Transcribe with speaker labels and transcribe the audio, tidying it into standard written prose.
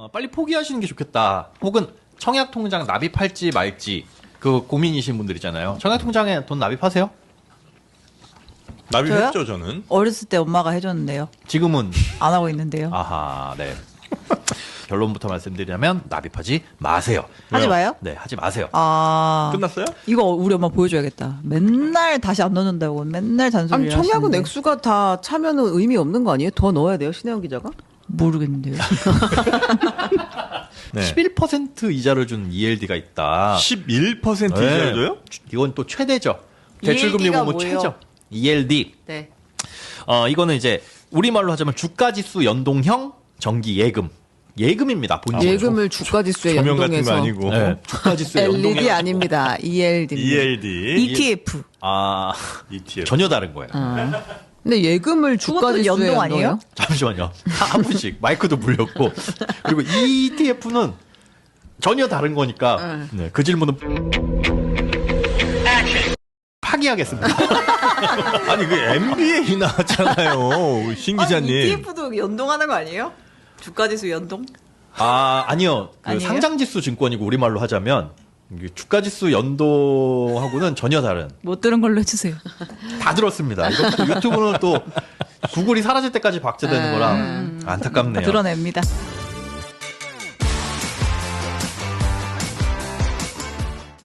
Speaker 1: 빨리 포기하시는 게 좋겠다. 혹은 청약통장 납입할지 말지 그 고민이신 분들 있잖아요. 청약통장에 돈 납입하세요?
Speaker 2: 납입했죠 저는.
Speaker 3: 어렸을 때 엄마가 해줬는데요.
Speaker 1: 지금은
Speaker 3: 안 하고 있는데요.
Speaker 1: 아하, 네. 결론부터 말씀드리자면 납입하지 마세요.
Speaker 3: 하지 마요?
Speaker 1: 네, 하지 마세요.
Speaker 3: 아,
Speaker 2: 끝났어요?
Speaker 3: 이거 우리 엄마 보여줘야겠다. 맨날 다시 안 넣는다고 맨날 잔소리.
Speaker 4: 아니 청약은 액수가 다 차면은 의미 없는 거 아니에요? 더 넣어야 돼요 신혜영 기자가?
Speaker 3: 모르겠는데요.
Speaker 2: 네.
Speaker 1: 11% 이자를 준 ELD가 있다.
Speaker 2: 11%
Speaker 1: 네.
Speaker 2: 이자줘요?
Speaker 1: 이건 또 최대죠. 대출금리
Speaker 3: ELD 가
Speaker 1: 보면
Speaker 3: 뭐예요?
Speaker 1: 최저. ELD.
Speaker 3: 네.
Speaker 1: 이거는 이제 우리말로 하자면 주가지수 연동형 정기 예금. 예금입니다. 본질.
Speaker 4: 예금을 주가지수에
Speaker 2: 조명 같은 거
Speaker 4: 연동해서
Speaker 2: 아니고.
Speaker 1: 네, 주가지수에
Speaker 4: LED
Speaker 1: 연동해.
Speaker 4: 아닙니다. ELD.
Speaker 2: ELD.
Speaker 3: ETF.
Speaker 1: 아,
Speaker 2: ETF.
Speaker 1: 전혀 다른 거예요.
Speaker 4: 근데 예금을
Speaker 3: 그것도
Speaker 4: 주가지수에
Speaker 3: 연동 아니에요?
Speaker 4: 연동해요?
Speaker 1: 잠시만요. 한 분씩 마이크도 물렸고 그리고 ETF는 전혀 다른 거니까 네, 그 질문은 파기하겠습니다.
Speaker 2: 아니 그 MBA 나왔잖아요. 신 기자님.
Speaker 3: ETF도 연동하는 거 아니에요? 주가지수 연동?
Speaker 1: 아니요. 그
Speaker 3: 아니에요?
Speaker 1: 상장지수 증권이고 우리말로 하자면 이게 주가지수 연동하고는 전혀 다른.
Speaker 3: 못 들은 걸로 해주세요.
Speaker 1: 다 들었습니다. 이것도 유튜브는 또 구글이 사라질 때까지 박제되는 거라 안타깝네요.
Speaker 3: 드러냅니다.